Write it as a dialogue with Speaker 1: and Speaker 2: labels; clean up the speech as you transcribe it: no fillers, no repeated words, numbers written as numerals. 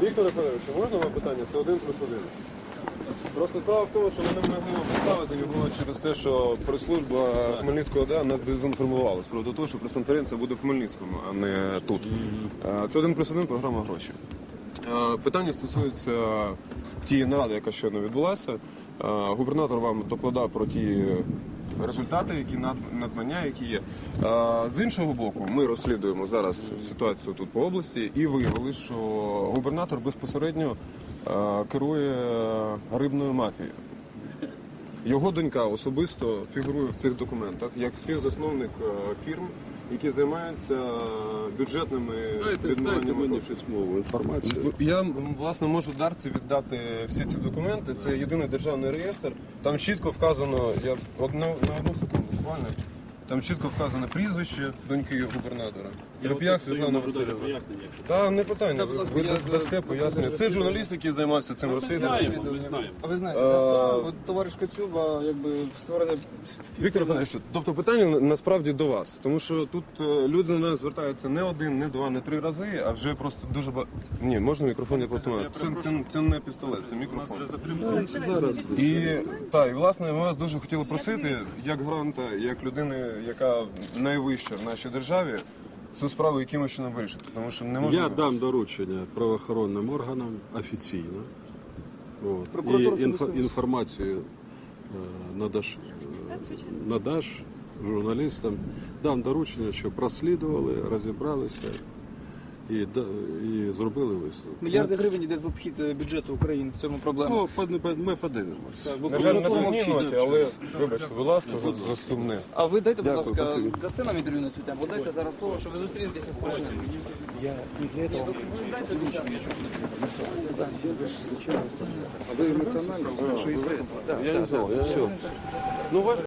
Speaker 1: Віктор Федорович, можна вам питання? Це 1+1. Просто справа в тому, що ми не могли вам поставити його через те, що прес-служба Хмельницького ОДА нас дезінформувала з приводу того, що прес-конференція буде в Хмельницькому, а не тут. Це 1+1 програма «Гроші». Питання стосується тієї наради, яка щойно відбулася. Губернатор вам докладав про ті результати, які надбання, які є. З іншого боку, ми розслідуємо зараз ситуацію тут по області і виявили, що губернатор безпосередньо керує рибною мафією. Його донька особисто фігурує в цих документах як співзасновник фірм, які займаються бюджетними відмиваннями
Speaker 2: письмову інформацію.
Speaker 1: Я, власне, можу Дарці віддати всі ці документи. Це єдиний державний реєстр. Там чітко вказано, я на одну секунду буквально, там чітко вказано прізвище доньки губернатора. Реп'як Світлана Васильівна. Та не питання, ви дасте пояснення. Це журналіст, який займався цим розслідуванням.
Speaker 3: А ви знаєте, от товариш Коцюба, якби створене...
Speaker 1: Віктор Федорович, тобто питання насправді до вас, тому що тут люди на нас звертаються не один, не два, не три рази, а вже просто дуже багато... Ні, можна мікрофон не потримати? Це не пістолет, це мікрофон.
Speaker 2: Зараз.
Speaker 1: І власне ми вас дуже хотіли просити, як гранта, як людини, яка найвища в нашій державі, цю справу якимось чином вирішити, тому що не можна...
Speaker 2: Я дам доручення правоохоронним органам офіційно. От. І інформацію надаш журналістам. Дам доручення, щоб розслідували, розібралися і зробили висновок.
Speaker 3: Мільярди гривень йде в обхід бюджету України, в цьому проблема.
Speaker 2: Ми подивимося.
Speaker 1: На жаль, на сумній ноті, але вибачте, будь ласка, за сумне.
Speaker 3: А ви дайте, будь ласка,
Speaker 2: спасибі.
Speaker 3: дасте нам інтерв'ю на цю тему? Дайте зараз слово, що ви зустрінетеся з Порошенком.
Speaker 4: Я не для этого.
Speaker 3: Дайте доручення.
Speaker 4: Вы эмоционально?
Speaker 2: Я не знал, я все.